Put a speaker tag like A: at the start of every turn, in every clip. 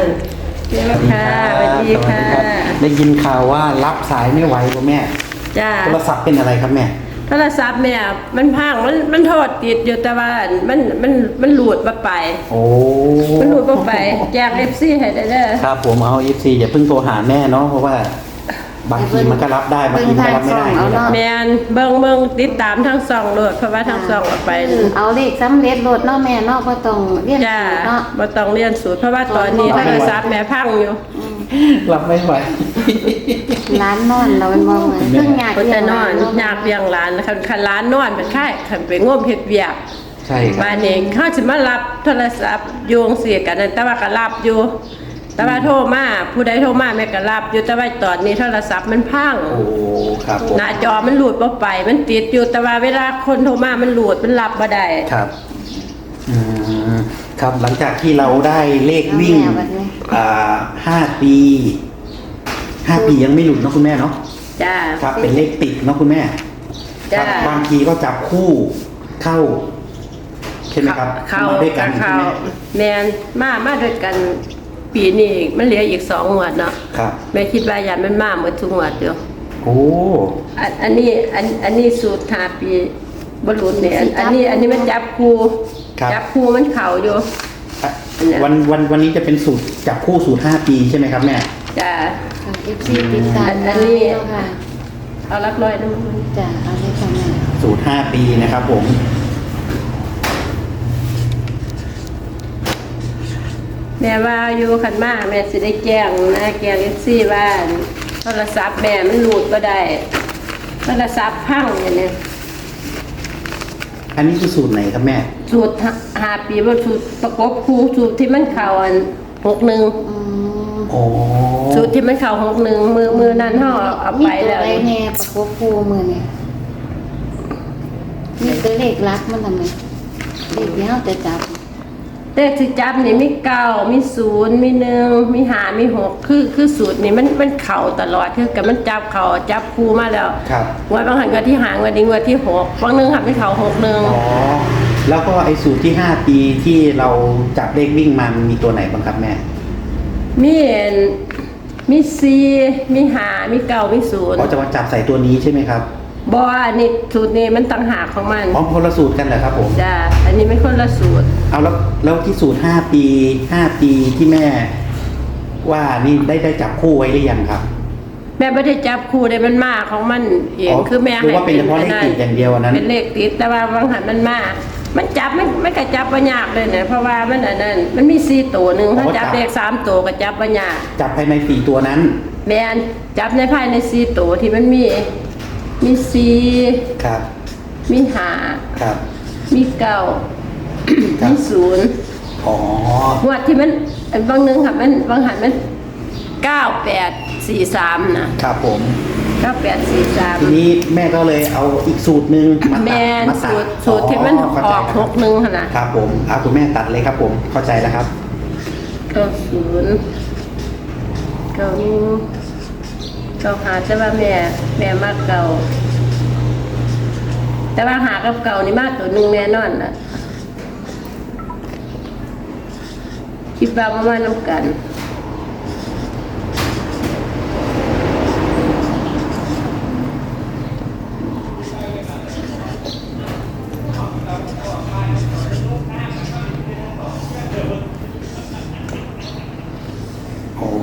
A: เจ้าค่ะสวัสดีค่ะ
B: ได้ยินข่าวว่ารับสายไม่ไหวป่ะแม่
A: จ้า
B: โทรศัพท์เป็นอะไรครับแม่
A: โทรศัพท์แม่มันพังมันโทษติดอยู่แต่ว่ามันหลุดมาไป
B: โอ้
A: มันหลุดมาไปแจกFCให้ได้เด้อ
B: ครับผมเอา FC อย่าเพิ่งโทรหาแม่เนาะเพราะว่าบางทีมันก็รับได้บางทีมันก็รับไม่ได้นี่แหละ
A: แม่นเบิ่งติดตามทั้งสองโลดเพราะว่าทั้งสองเอาไป
C: เอาเลขสำเร็จโลดเนาะแม่เนาะบ่ต้องเรียน
A: จ้า
C: สูตรเนาะ
A: บ่ต้องเรียนสูตรเพราะว่าตอนนี้โทรศัพท์แม่พังอยู่
B: รับไม่ไหว
C: ร้านนอนเราเป็นบ่เหมือนเพิ่งยาก
A: ก็จะนอน
C: เนาะ
A: อยากเลี้ยงหลานคันหลานนอนเป็นไข้คันไปง่มเฮ็ดเวียก
B: ใช่ครับ
A: บ้านเองเขาสิมารับโทรศัพท์โยงเสียกันนั่นแต่ว่าก็รับอยู่ แต่ว่าโทรมาผู้ใดโทรมาแม่ก็รับอยู่แต่ว่าตอนนี้โทรศัพท์มันพัง
B: โอ้ครับผม
A: หน้าจอมันหลุดบ่ไปมันติดอยู่แต่ว่าเวลาคนโทรมามันหลุดมันรับบ่ได้
B: ครับอืมครับหลังจากที่เราได้เลขวิ่ง5 ปี5 ปียังไม่หลุดเนาะคุณแม่เนาะ
A: จ้า
B: ครับเป็นเลขติดเนาะคุณแม่ค
A: จ้า
B: รับบางทีก็จับคู่เข้าใช่ไหมครับ
A: เข้า
B: มาด้วยกันใช่
A: เข้า
B: ไหม
A: แม่นมาด้วยกันปีนี้มันเหลืออีก2งวดเนาะ
B: ครับ
A: แม่คิดว่ายันมันมาหมดทุกงวดอยู่
B: โอ้
A: อันนี้สูตร5ปีบ่หลุดเนี่ยอันนี้มันจับคู่จับคู่มันเข้าอยู่
B: วันนี้จะเป็นสูตรจับคู่สูตร5 ปีใช่ไหมครับแม่
A: จ้า
C: FC ติดตาม
A: อันนี้
C: เนาะค่ะ
A: เอารักร้อยนะมึง
C: จ้ะเอาเลยค่ะแม่
B: สูตร5 ปีนะครับผม
A: แม่ว่าอยู่คันมาแม่สิได้แจ้งนะแจ้งFCว่าโทรศัพท์แม่มันหลุดบ่ได้โทรศัพท์พังอย่างนี้
B: อันนี้คือสูตรไหนครับแม่
A: สูตร5 ปีบ่สูตรประกบคู่สูตรที่มันเข้าอัน61
C: อืม
B: โอ้
A: สูตรที่มันเข้า61มือนั้นเฮาเอาไป
C: มีตัว
A: แล้ว
C: ใดแน่ประกบคู่มื้อนี้มีตัวเลขลักมันทำไมเลขที่เฮาจะจับ
A: เลขที่จับนี่มี9มี0มี1มี5มี6คือสูตรนี่มันเข้าตลอดคือกับมันจับเข้าจับคู่มาแล้ว
B: ครับ
A: งวดบางหันงวดที่5งวดนี้งวดที่6บางนึงหันไปเข้า61
B: อ๋อแล้วก็ไอ้สูตรที่5 ปีที่เราจับเลขวิ่งมามันมีตัวไหนบ้างครับแม่
A: มี4มี5มี9มี
B: เขาจะมาจับใส่ตัวนี้ใช่ไหมครับ
A: 0บ่อันนี้สูตรนี้มันต่างหากของมัน
B: อ๋อคนละสูตรกันเหรอครับผม
A: จ้าอันนี้ไม่คนละสูตร
B: เอาแล้วที่สูตร5 ปีที่แม่ ว่านี่ได้จับคู่ไว้หรือยังครับ
A: แม่ไม่ได้จับคู่ได้มันมาของมันเอง
B: อ๋อ
A: คือแม่
B: หรือว่าเป็นเฉพาะเลขติดอย่างเดียวอันนั้น
A: เป็นเลขติดแต่ว่าบางหันมันมามันจับไม่ก็จับบ่ยากเลยเนี่ยเพราะว่ามันอันนั้นมันมี4ตัวหนึงถ้าจับเลข3ตัวก็จับบ่ยาก
B: จับภายใน4 ตัวนั้น
A: แม่นจับในภายใน4ตัวที่มันมี4
B: ครับ
A: มี
B: ครับ
A: 5มี9
B: ครับ
A: มี0
B: อ๋อง
A: วดที่มันบางนึงค่ะมันบางหันมัน9843นะครับ
B: ผม
A: 9843
B: ทีนี้แม่ก็เลยเอาอีกสูตรหนึ่งมาตัด
A: แม่น
B: มาตัด
A: สูตรที่มัน
B: เข้า
A: อ
B: ใจ
A: อก
B: แล้ว
A: 61หั่นน่ะ
B: ครับผมเอาคุณแม่ตัดเลยครับผมเข้าใจแล้วครับ
A: 90 95แต่ว่าแม่มากเก่า แต่ว่าหากับเก่านี่มากตัวหนึงแน่นอนน่ะคิดว่าประมาณนํกัน
B: โอ้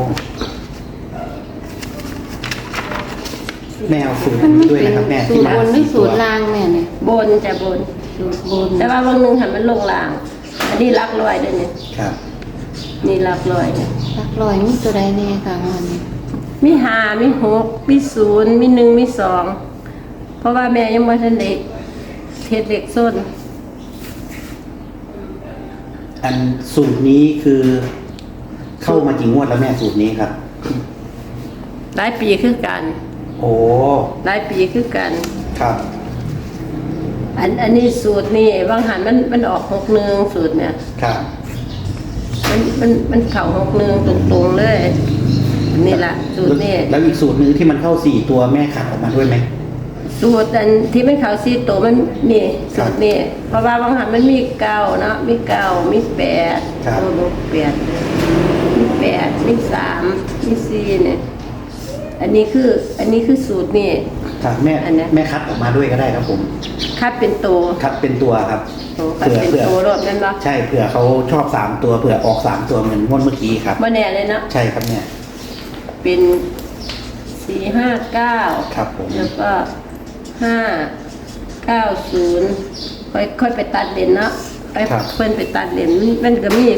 B: แม่เอาสูตร
C: มัน
B: นี้
C: ไม่
B: ด้วย
C: เป็น
B: นะครับแม่
C: สู
B: ที่
C: ตร
B: มา
C: บนหรือ
B: 4
C: สู
B: ตัว
C: ตรล่างแม่เนี่ย
A: บนจะบน
C: สูตรบน
A: แต่ว่าบางนึงหันมันลงล่าง อันนี้หลักร้อยเด้อเนี่ย
B: ครับ
A: นี่หลักร้อยเนี่ย
C: หลักร้อยมีตัวใดแน่ค่ะวันนี้
A: มี5มี6มี0มี1มี2เพราะว่าแม่ยังบ่ทันได้เฮ็ดเลขส้น
B: อันสูตรนี้คือเข้ามากี่งวดแล้วแม่สูตรนี้ครับ
A: หลายปีคือกัน
B: โอ้
A: หลายปีคือกัน
B: ครับ
A: อันนี้สูตรนี่บางหันมันออก61สูตรเนี่ย
B: ครับ
A: มันเข้า61ตรงๆเลยนี่ล่ะสูตรนี่
B: แล้วอีกสูตรหนึ่งที่มันเข้า4 ตัวแม่ขัดออกมาด้วยไหม
A: สูตรอันที่มันเข้า4ตัวมันนี่สูตรนี่เพราะว่าบางหันมันมี9เนาะมี9มี8
B: ครับ
A: 8 มี8มี3มี4เนี่ยอันนี้คือสูตรนี่
B: ครับแม่
A: อันเนี้ย
B: แม่คัดออกมาด้วยก็ได้ครับผม
A: คัดเป็นตัว
B: คัดเป็นตัวครับ
A: คัดเป็นตัวรถนั่นเนาะ
B: ใช่เผื่อเขาชอบ3ตัวเผื่อออก3ตัวเหมือนงวดเมื่อกี้ครับ
A: บ่แน่เลยเนาะ
B: ใช่ครับเนี่ย
A: เป็น459
B: ครับผม
A: แล้วก็590ค่อยไปตัดเลนเนาะไปเพิ่นไปตัดเลนมันก็มี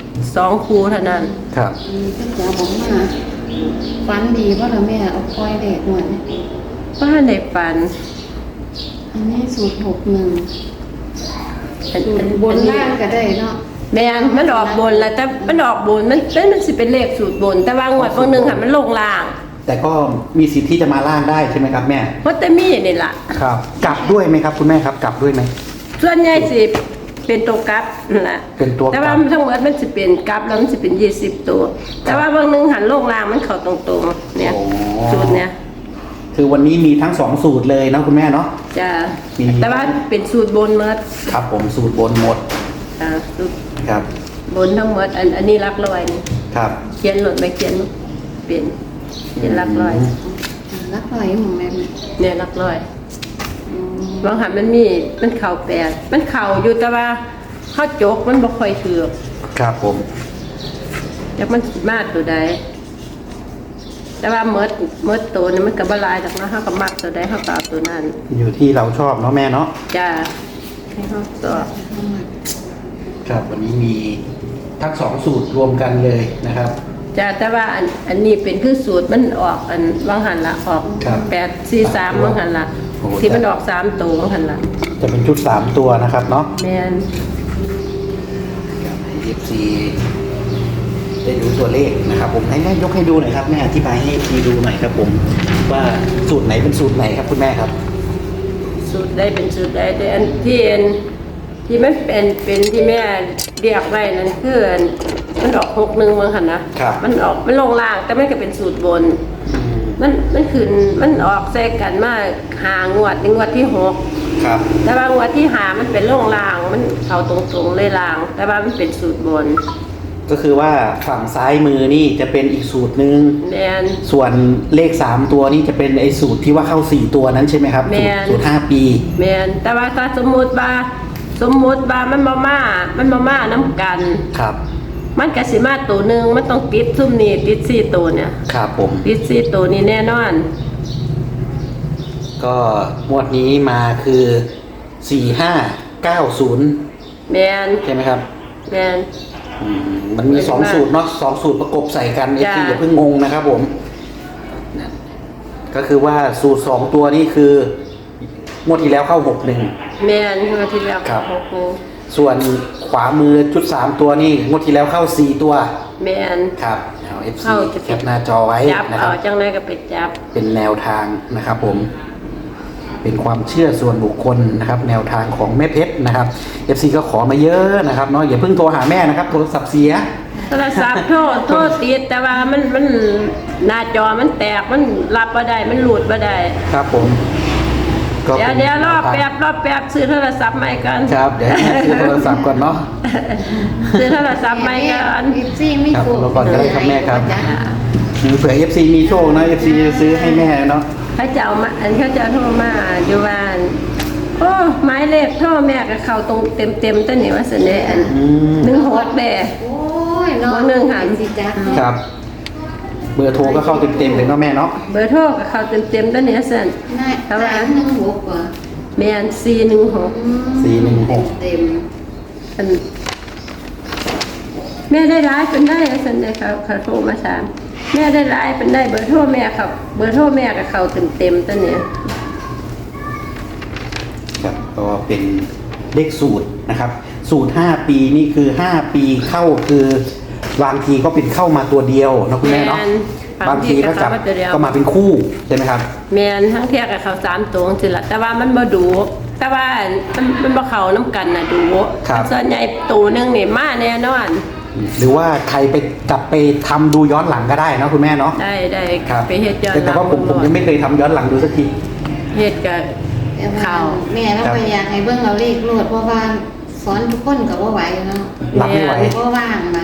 A: 2คู่เท่านั้น
B: ครับ
C: ก็จะบอกมาฝันดีว่าเราแม่เอาคอยเด็กหมด
A: ว่าในฝัน
C: อันนี้สูตร61
A: อัน
C: สูตรบนล่างก็ได้เนาะ
A: แม่นมันออกบนแล้วแต่มันออกบนมันสิเป็นเลขสูตรบน แต่ว่างวดบางนึงค่ะมันลงล่าง
B: แต่ก็มีสิทธิ์ที่จะมาล่างได้ใช่ไหมครับแม่
A: เพราะแต่มีนี่ล่ะ
B: ครับกลับด้วยไหมครับคุณแม่ครับกลับด้วยไหม
A: ส่วนใหญ่สิเป็นตัวกลับนั่นล่ะ
B: เป็นตัวกลับ
A: แต่ว่าทั้งหมดมันสิเป็นกลับแล้วมันสิเป็น20ตัว แต่ว่าบางนึงหันลงล่างมันเข้าตรงๆเนี่ยสูตรเนี่ย
B: คือวันนี้มีทั้ง2สูตรเลยนะคุณแม่เนาะ
A: จะ
B: มี
A: แต่ว่าเป็นสูตรบนหมด
B: ครับผมสูตรบนหมด
A: สูตร
B: ครับ
A: บนทั้งหมดอันนี้หลักร้อยนี่
B: ครับ
A: เขียนหลดไปเขียนเป็นเขียนหลักร้อย
C: รักลอยของแม่
A: เนี่ยหลักร้อยบางหันมันเข่า8มันเข่าอยู่แต่ว่าเข้าจกมันบ่ค่อยถือ
B: ครับผม
A: จากมันสิมาตัวใดแต่ว่าเมิดตัวนี่มันก็บ่หลายดอกเนาะเฮาก็มักตัวใดเฮาก็เอาตัวนั้น
B: อยู่ที่เราชอบเนาะแม่เนาะ
A: จ้าให้เฮาสอบ
B: ครับวันนี้มีทั้ง2สูตรรวมกันเลยนะครับ
A: จ้าแต่ว่าอันนี้เป็นคือสูตรมันออกอันบางหันละออก
B: ครับ
A: 843บางหันละ
B: โอ้โห
A: ที่มันออก3ตัวบางหันละ
B: จะเป็นชุด3ตัวนะครับเนาะ
A: แม่น
B: ให้ FC ได้ดูตัวเลขนะครับ ผมให้แม่ยกให้ดูหน่อยครับแม่อธิบายให้ FC ดูหน่อยครับผมว่าสูตรไหนเป็นสูตรไหนครับคุณแม่ครับ
A: สูตรได้เป็นสูตรได้แต่อันที่มันเป็นที่แม่เรียกไว้นั่นคืออันมันออก61บางหันนะครับ มันลงล่างแต่มันก็เป็นสูตรบน มันขึ้นมันออกแทรกกันมา5งวดนี่งวดที่6
B: ครับ
A: แต่ว่างวดที่5มันเป็นลงล่างมันเข้าตรงๆเลยล่าง แต่ว่ามันเป็นสูตรบน
B: ก็คือว่าฝั่งซ้ายมือนี่จะเป็นอีกสูตรหนึ่ง
A: แม่น
B: ส่วนเลข3ตัวนี่จะเป็นไอ้สูตรที่ว่าเข้า4ตัวนั้นใช่ไหมครับ
A: แม่น
B: สูตร5 ปี
A: แม่นแต่ว่าถ้าสมมุติว่ามันมาน้ำกัน
B: ครับ
A: มันก็สิมาตัวหนึงมันต้องติดซุ่มนี่ติด4ตัวเนี่ย
B: ครับผม
A: ติด4ตัวนี่แน่นอน
B: ก็งวดนี้มาคือ4590
A: แม่น
B: ใช่ไหมครับ
A: แม่น
B: มันมี2สูตรเนาะ2สูตรประกบใส่กันเอฟ
A: จ้ะ
B: ซีอย่าเพิ่งงงนะครับผมนะก็คือว่าสูตร2ตัวนี้คืองวดที่แล้วเข้า61
A: แม่นงวดที่แล้ว
B: ครับ
A: โอ้โห
B: ส่วนขวามือชุด3ตัวนี่งวดที่แล้วเข้า4ตัว
A: แม่น
B: ครับเอาเอฟซี
A: เข้าจะ
B: แคปหน้าจอไว้
A: จับ
B: นะค
A: เอา
B: รับ
A: จังไดก็ไปจับ
B: เป็นแนวทางนะครับผม เป็นความเชื่อส่วนบุคคลนะครับ แนวทางของแม่เพชรนะครับ FC ก็ขอมาเยอะนะครับเนาะอย่าเพิ่งโทรหาแม่นะครับโทรศัพท์เสีย
A: โทรศัพท์โทรติดแต่ว่ามันหน้าจอมันแตกมันรับบ่ได้มันหลุดบ่ได้
B: ครับผมก็
A: เดี๋ยว
B: ป็น
A: เดี๋ยวรอบ
B: แนวทาง
A: แป๊บซื้อโทรศัพท์ใหม่กัน
B: ครับเดี๋ยวให้แม่ซื้อโทรศัพท์ก่อนเนาะ
A: ซื้อโทรศัพท์ใหม่กัน
C: อีซี่ไม่
B: ครับ
C: ถูก
B: เราก่อนก็ได้ครับแม่ครับ
C: จ้ะ
B: เผื่อ FC มีโชคนะ FC จะซื้อให้แม่เนาะ
A: เขาจะเอามาเขาจะโทรมาอยู่บ้านโอ้หมายเลขโทรแม่ก็เข้าตรงเต็มตั้งนี่ว่าเสน่ห์อัน
B: อืม
A: 16แด่
C: โอ้ยเนาะ
A: วันหนึ่งหัน
C: สิจ้ะ
B: ครับ เบอร์โทรก็เข้าเต็มๆเลยเนาะแม่เนาะ
A: เบอร์โทรก็เข้าเต็มตั้งนี่สั่น
C: น่า316กว่า
A: แม่น416
B: 416
C: เต็ม
A: อันแม่ได้ร้ายเป็นได้สั่นเลยเขาโทรมาถามแม่ได้ร้ายเป็นได้เบอร์โทรแม่เขาเบอร์โทรแม่ก็เข้าเต็มตั้งนี่
B: ครับก็เป็นเลขสูตรนะครับ สูตร5ปีนี่คือ5ปีเข้าคือบางทีก็เป็นเข้ามาตัวเดียวนะคุณแม่เนาะบางทีก็กลับก็มาเป็นคู่ใช่ไหมครับ
A: แม่นทั้งเที่ยกับเขา3ตัวสิละแต่ว่ามันบ่ดูแต่ว่ามันบ่เข้าน้ำกันน่ะดู
B: ครับ
A: ส่วนใหญ่ตัวหนึงนี่มาแน่นอน
B: หรือว่าใครไปกลับไปทำดูย้อนหลังก็ได้เนาะคุณแม่เนาะ
A: ได้
B: ครับ
A: ไปเฮ็ดย้อน
B: แต่ว่าผมยังไม่เคยทำย้อนหลังดูสักที
A: เฮ็ดกับ
C: แต่ว่า
A: ข่าว
C: แม่เราไปอยากให้เบิ่งเราเลขโลดเพราะว่าสอนทุกคนก็บ่ไหวเนาะ
B: รับไม่ไหว
C: บ่ว่างมาแม่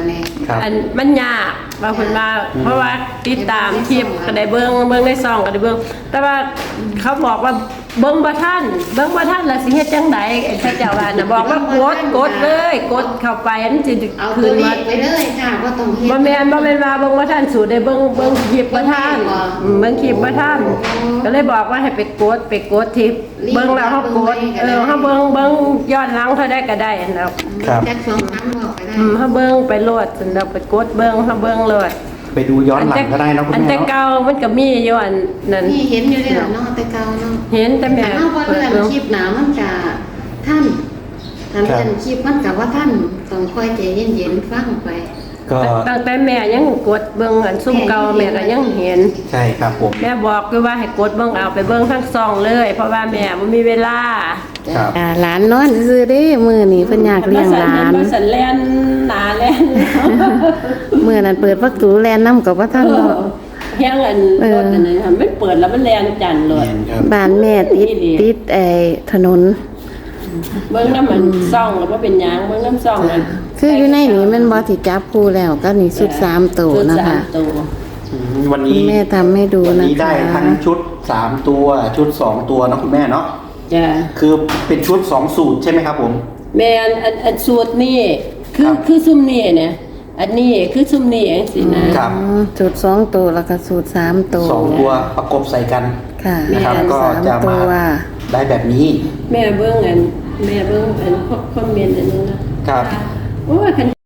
B: ครับ
A: อันมันยากบางคนว่าเพราะว่าติดตามคลิปก็ได้เบิ่งในซองก็ได้เบิ่งแต่ว่าเขาบอกว่าเบิ่งบ่ทันแล้วสิเฮ็ดจังไดไอ้พระเจ้าว่าน่ะบอกว่ากดเลยกดเข้าไปมันสิ
C: เอา
A: คื
C: ตัวน เล
A: มา
C: ขไปเลยค่ะบ่ต้องเฮ็ด
A: บ่แม่นว่าเบิ่งบ่ทันสูตรได้เบิ่งคลิปบ่ทันเบิ่งคลิปบ่ทันก็เลยบอกว่าให้ไปกดที่เบิ่งแล้วเฮากดเฮาเบิ่งย้อนหลังเท่าใดก็ได้อันแล้ว
B: ครับ
C: แจ็ค2ครั้งบอกไปได้
A: เฮาเบิ่งไปโลดจนเราไปกดเบิ่งเฮาเบิ่งโลด
B: ไปดูย้อนหลังก็ได้นะคุณ
A: อัน
B: แม่
A: แต่
B: เนาะ
A: เก่ามันก็มีอยู่อันนั้น
C: นี่เห็นอยู่ได้หรอเนาะแต่เก่าเนาะ
A: เห็นแต่แม่
C: แต่เฮาบ่
A: เปิ
C: เลื่
A: ด
C: อน
A: เบิ่ง
C: คลิปหนามันก็ท่านถ้าเลื่อนคลิปมันก็ว่าท่านต้องคอยใจเย็นๆฟังไป
B: ก็
A: ตั้งแต่แม่ยังกดเบิ่งอันซุ่มเก่าแม่ก็ยังเห็น
B: ใช่ครับผม
A: แม่บอกอยู่ว่าให้กดเบิ่งเอาไปเบิ่งทั้งซองเลย เพราะว่าแม่บ่มีเวลา
B: ครับ
C: หลานนอนซื่อๆเด้มื้อนี้เพิ่นอยากเลี้ยงหลาน
A: มาสันแล่นหนาแล่น
C: มื้อนั้นเปิดประตูแลนนํกับว่าท่านเนาะ
A: เฮียงอันรถอันนั้นไม่เปิดแล้วมันแล่นจันเลย
B: เห็นครับ
C: บ้านแม่ติดไอ้ถนน
A: เบิ่งน้ำมันซ่องแล้วบ่เป็นหยังเบิ่งน้ำซ่องนั่น
C: คืออยู่ในนี้แมันบ่ที่จับคู่แล้วก็นี่ชุด3ตัวนะคะ
A: ชุดสามตัว
B: วันนี้
C: แม่ทำให้ดู
B: วัน
C: นะ
B: นี้ได้
C: คะ
B: ทั้งชุด3ตัวชุด2ตัวเนาะคุณแม่เนาะ
A: จ้ะ
B: คือเป็นชุด2สูตรใช่ไหมครับผม
A: แม่อันสูตรนี่คื
B: ค
A: อ
B: รับ
A: คือซุ่มนี่เนี่ยอันนี้คือซุ่มนี่เองสินะครับ
C: ชุด2ตัวแล้วก็ชุด3ตัว
B: สองตัวประกบใส่กัน
C: ค่ะ
B: นะครับ
C: สาม
B: ก็จะ
C: ตั
B: มาว ได้แบบนี้
A: แม่เบิ่งอันคอมเมนต์อันนึงนะครับ โอ้ยคัน